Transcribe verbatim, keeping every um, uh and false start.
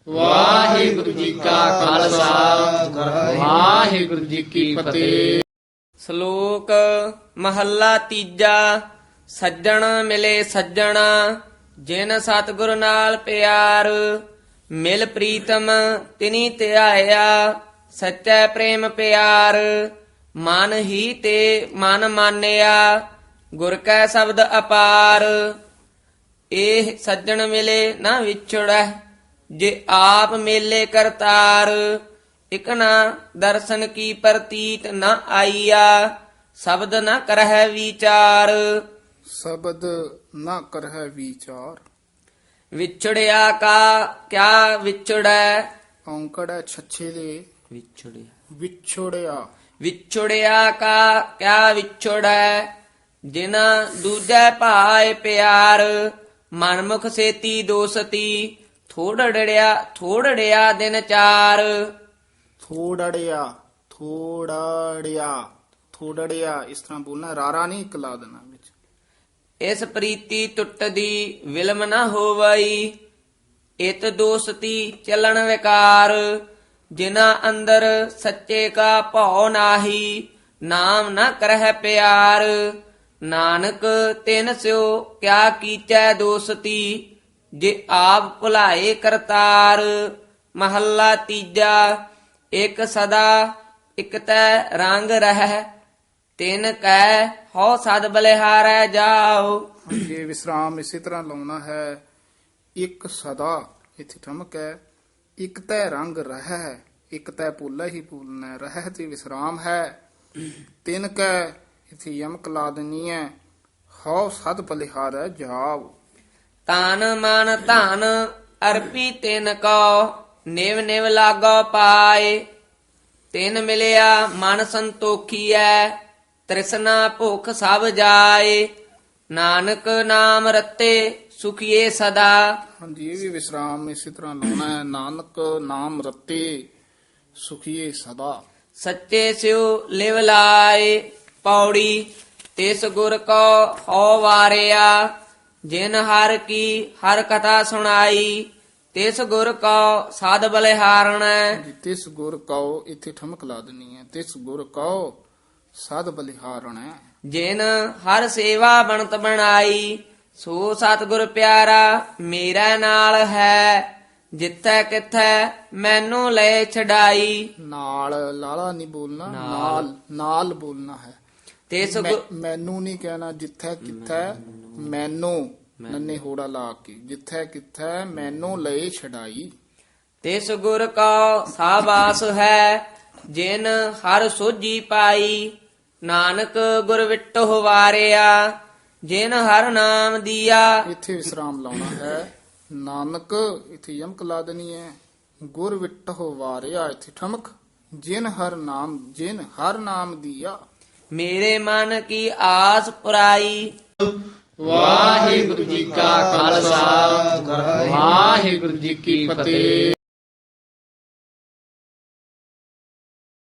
ਵਾਹਿਗੁਰੂ ਜੀ ਕਾ ਖਾਲਸਾ ਵਾਹਿਗੁਰੂ ਜੀ ਕੀ ਫਤਿਹ। ਸ਼ਲੋਕ ਮਹੱਲਾ ਤੀਜਾ। ਸੱਜਣ ਮਿਲੇ ਸੱਜਣਾ ਜਿਨ ਸਤਿਗੁਰ ਨਾਲ ਪਿਆਰ, ਮਿਲ ਪ੍ਰੀਤਮ ਤਿਨੀ ਧਿਆਇਆ ਸੱਚਾ ਪ੍ਰੇਮ ਪਿਆਰ। ਮਨ ਹੀ ਤੇ ਮਨ ਮਾਨਿਆ ਗੁਰ ਕੈ ਸ਼ਬਦ ਅਪਾਰ। ਇਹ ਸੱਜਣ ਮਿਲੇ ਨਾ ਵਿਛੜੈ ਜੇ ਆਪ ਮੇਲੇ ਕਰਤਾਰ। ਇਕ ਨਾ ਦਰਸ਼ਨ ਕੀ ਪ੍ਰਤੀਤ ਨ ਆਈਆ ਸ਼ਬਦ ਨ ਕਰਹਿ ਵਿਚਾਰ। ਸ਼ਬਦ ਨਾ ਕਰਹਿ ਵਿਚਾਰ। ਵਿਛੜਿਆ ਕਾ ਕਿਆ ਵਿਛੜੈ। ਔਂਕੜ ਹੈ ਛੱਛੇ ਦੇ ਵਿਛੜਿਆ ਵਿਛੋੜਿਆ। ਵਿਛੜਿਆ ਕਾ ਕਿਆ ਵਿਛੜੈ ਜਿਨਾ ਦੂਜੈ ਭਾਏ ਪਿਆਰ। ਮਨਮੁਖ ਸੇਤੀ ਦੋਸਤੀ ਥੋੜੜਿਆ ਥੋੜੜਿਆ ਦਿਨ ਚਾਰ। ਥੋੜੜਿਆ ਥੋੜੜਿਆ ਥੋੜੜਿਆ ਇਸ ਤਰ੍ਹਾਂ ਬੋਲਣਾ, ਰਾਰਾ ਨਹੀਂ ਇੱਕ ਲਾ ਦੇਣਾ ਵਿੱਚ। ਇਸ ਪ੍ਰੀਤੀ ਟੁੱਟਦੀ ਵਿਲਮ ਨਾ ਹੋਵਈ ਇਤ ਦੋਸਤੀ ਚੱਲਣ ਵਿਕਾਰ। ਜਿਨਾ ਅੰਦਰ ਸੱਚੇ ਕਾ ਭਉ ਨਾਹੀ ਨਾਮ ਨਾ ਕਰਹਿ ਪਿਆਰ। ਨਾਨਕ ਤਿਨ ਸਿਓ ਕਿਆ ਕੀਚੈ ਦੋਸਤੀ ਜੇ ਆਪ ਭੁਲਾਏ ਕਰਤਾਰ। ਮਹੱਲਾ ਤੀਜਾ। ਇਕ ਸਦਾ ਇਕ ਤੈ ਰੰਗ ਰਹਿ ਤਿਨ ਕੈ ਹਉ ਸਦ ਬਲਿਹਾਰੈ ਜਾਓ। ਇਹ ਵਿਸਰਾਮ ਇਸੇ ਤਰ੍ਹਾਂ ਲਾਉਣਾ ਹੈ। ਇੱਕ ਸਦਾ ਇੱਥੇ ਠਮਕ ਹੈ। ਇੱਕ ਤੈ ਰੰਗ ਰਹਿ, ਇੱਕ ਤੈ ਪੋਲਾ ਹੀ ਬੋਲਣਾ, ਰਹਿ ਤੇ ਵਿਸਰਾਮ ਹੈ। ਤਿੰਨ ਕੈ ਇੱਥੇ ਯਮਕ ਲਾ ਦੇਣੀ ਹੈ। ਹਉ ਸਦ ਬਲਿਹਾਰੈ ਜਾਓ। ਤਨ ਮਨ ਧਨ ਅਰਪੀ ਤਿਨ ਕੋ ਨਿਵ ਨਿਵ ਲਾਗੋ ਪਾਏ। ਤਿਨ ਮਿਲਿਆ ਮਨ ਸੰਤੋਖੀਐ ਤ੍ਰਿਸ਼ਨਾ ਭੁਖ ਸਭ ਜਾਏ। ਨਾਨਕ ਨਾਮ ਰਤੇ ਸੁਖੀਏ ਸਦਾ। ਹਾਂਜੀ, ਇਹ ਵੀ ਵਿਸਰਾਮ ਇਸੇ ਤਰ੍ਹਾਂ ਲਾਉਣਾ ਹੈ। ਨਾਨਕ ਨਾਮ ਰਤੇ ਸੁਖੀਏ ਸਦਾ। ਸੱਚੇ ਸਿਉ ਲਿਵ ਲਾਏ। ਪੌੜੀ ਤਿਸ ਗੁਰ ਕੋ ਹਉ ਵਾਰਿਆ ਜਿਨ ਹਰ ਕੀ ਹਰ ਕਥਾ ਸੁਣਾਈ। ਤਿਸ ਗੁਰ ਕੋ ਸਾਧ ਬਲਿਹਾਰਣੈ। ਤਿਸ ਗੁਰ ਕਉ ਇੱਥੇ ਠਮਕ ਲਾ ਦੇਣੀ ਹੈ। ਤਿਸ ਗੁਰ ਕਉ ਸਦ ਬਲਿਹਾਰਣੈ। ਜਿਨ ਹਰ ਸੇਵਾ ਬਣਤ ਬਣਾਈ ਸੋ ਸਤਿਗੁਰ ਪਿਆਰਾ ਮੇਰਾ ਨਾਲ ਹੈ। ਜਿੱਥੈ ਕਿਥੈ ਮੈਨੂੰ ਲੈ ਛਡਾਈ। ਨਾਲ ਲਾਲਾ ਨਹੀਂ ਬੋਲਣਾ, ਨਾਲ ਨਾਲ ਬੋਲਣਾ ਹੈ। ਤਿਸ ਮੈਂ- ਗੁਰ ਮੈਨੂੰ ਨਹੀਂ ਕਹਿਣਾ। ਜਿੱਥੈ ਕਿਥੈ ਮੈਨੂੰ ਨੰਨੇ ਹੋੜਾ ਲਾ ਕੇ, ਜਿੱਥੈ ਕਿਥੈ ਮੈਨੂੰ ਲਏ ਛਡਾਈ। ਤਿਸ ਗੁਰ ਕੋ ਸਾਬਾਸ ਹੈ ਜਿਨ ਹਰ ਸੋਝੀ ਪਾਈ। ਨਾਨਕ ਗੁਰ ਵਿਟਹੁ ਵਾਰਿਆ ਜਿਨ ਹਰ ਨਾਮ ਦੀਆ। ਇੱਥੇ ਵਿਸਰਾਮ ਲਾਉਣਾ ਹੈ। ਨਾਨਕ ਇੱਥੇ ਯਮਕ ਲਾ ਦੇਣੀ ਹੈ। ਗੁਰ ਵਿਟਹੁ ਵਾਰਿਆ ਇੱਥੇ ਠਮਕ। ਜਿਨ ਹਰ ਨਾਮ ਜਿਨ ਹਰ ਨਾਮ ਦੀਆ। ਮੇਰੇ ਮਨ ਕੀ ਆਸ ਪੁਰਾਈ। ਵਾਹਿਗੁਰੂ ਜੀ ਕਾ ਖਾਲਸਾ ਵਾਹਿਗੁਰੂ ਜੀ ਕੀ ਫਤਿਹ।